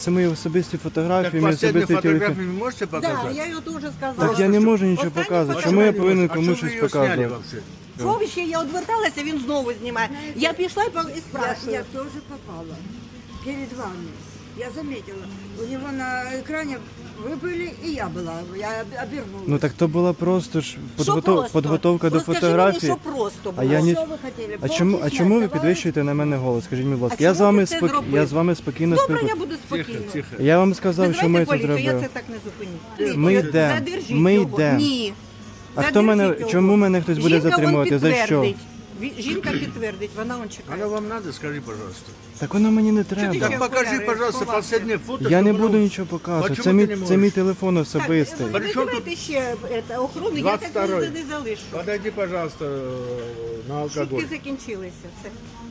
Це мої особисті фотографії, Так мої последнюю особисті телефон. фотографию вы можете Да, показать? я ее тоже сказала. Так я не можу нічого Останню показувати. фото- Чому я повинен А комусь что вы щось ее сняли показувати? вообще? Сховище, я одверталася, він знову знімає. Я пішла і Я спрашиваю. тоже попала перед вами. Я заметила. У него на экране вы были, и я была. Я обернулась. Ну так то була просто ж Що просто? підготовка до Розкажи фотографії. мені, що просто А було. я ні... Что вы хотели? А чому Полки ви снять підвищуєте на мене голос? Скажіть мені, будь ласка. А Я з чому вами ти це зробив? я з вами спокійно Добре, я спілкуюся. буду Тихо, спокійно. тихо. Я вам сказав, що ми Визивайте тут поліцію, я робили. це так не зупиню. Ми Поліцію, йдемо. задержіть Ми його. йдемо. Ні. А хто мене, Задержіть його. чому мене хтось буде Жінка вон затримувати? За що? підтвердить. Жінка підтвердить, вона он чекає. Оно вам надо, скажи, пожалуйста. Так воно мені не ти треба. Так покажи, окуляри пожалуйста, сховався? последнее фото. Я не чтобы буду оно- нічого показувати. Почему Це ти мій, не це можеш? мій телефон особистий. Так, При чому визивайте ще охорону, я так 22-й. не залишу. Подойди, пожалуйста, на алкоголь. Шутки закінчилися. Все.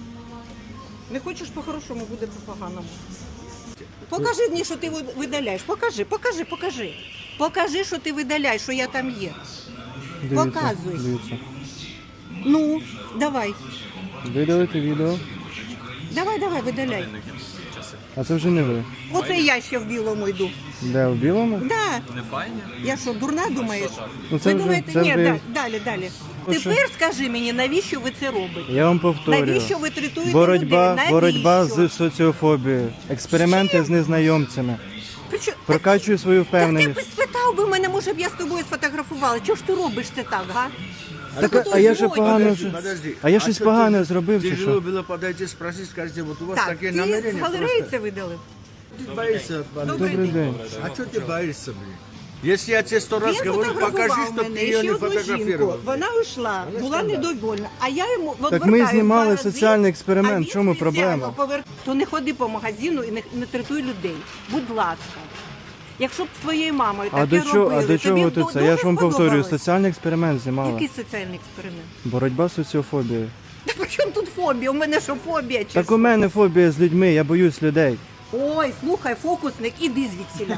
Не хочеш по-хорошому, буде по-поганому. Покажи мені, що ти видаляєш. Покажи. Покажи, що ти видаляєш, що я там є. Показуй. Дивіться. Ну, давай. Видалити відео. Давай, видаляй. А це вже не ви. Оце я ще в білому йду. Де, в білому? Да. Не файні? Я що, дурна думаєш? Ну, це Ви вже- думаєте, це ні, вже- далі. Ну, що? Тепер скажи мені, навіщо ви це робите? Я вам повторюю. Навіщо ви третуєте Боротьба, людей? боротьба Навіщо? з соціофобією. Експерименти з незнайомцями. Причому- Прокачую свою Так ти впевненість. б спитав би мене, може б я з тобою сфотографувала. Чого ж ти робиш це так, га? Так, а я ще Подожди, погано вже. Подожди. А я щось что погане ты- зробив чи Тяжело що? было подойти, спросить, скажите, вот у вас Так, такие ти з намерения галереї просто... це видалив? Ты боишься от полиции. Добрий день. А что ты боишься, блин? Если я тебе 100 раз Він говорю, покажи, фотографував что мене, ты і ее ще не одну жінку. фотографировал. Вона йшла, була недовольна, а я йому Так ми відвертаю знімали два рази, соціальний експеримент. а він В чому спеціально проблема? То не ходи по магазину і не третуй людей. Будь ласка. Якщо б з твоєю мамою А таке до чого, робили, до чого тобі тут б це? Я ж вам дуже повторюю, сподобалось. соціальний експеримент знімали. Який соціальний експеримент? Боротьба з соціофобією. Та при чому тут фобія? У мене що фобія? Чи Так що? у мене фобія з людьми, я боюсь людей. Ой, слухай, фокусник, іди звідсіля.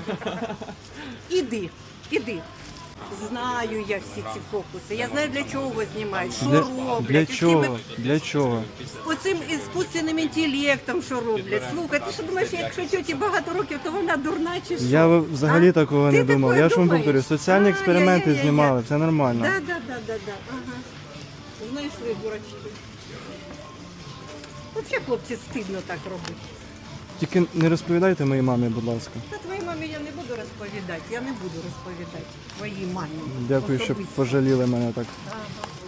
Іди. Знаю я всі ці фокуси. Я знаю, для чого знімають, що роблять. Для Оцими- чого? Для чого? Оцим іскусственним інтелектом, що роблять. Слухай, ти що думаєш, якщо тьоті багато років, то вона дурна чи що? Я взагалі А? такого Ти не думав. такое Я ж вам думаєш? повторюю, соціальні експерименти Ай-яй-яй-яй. знімали, це нормально. Да. Ага. Знайшли дурачки. Взагалі, хлопці, стидно так робити. Тільки не розповідайте моїй мамі, будь ласка. Та твоїй мамі я не буду розповідати. Я не буду розповідати твоїй мамі. Дякую, що особисто. пожаліли мене так. Ага.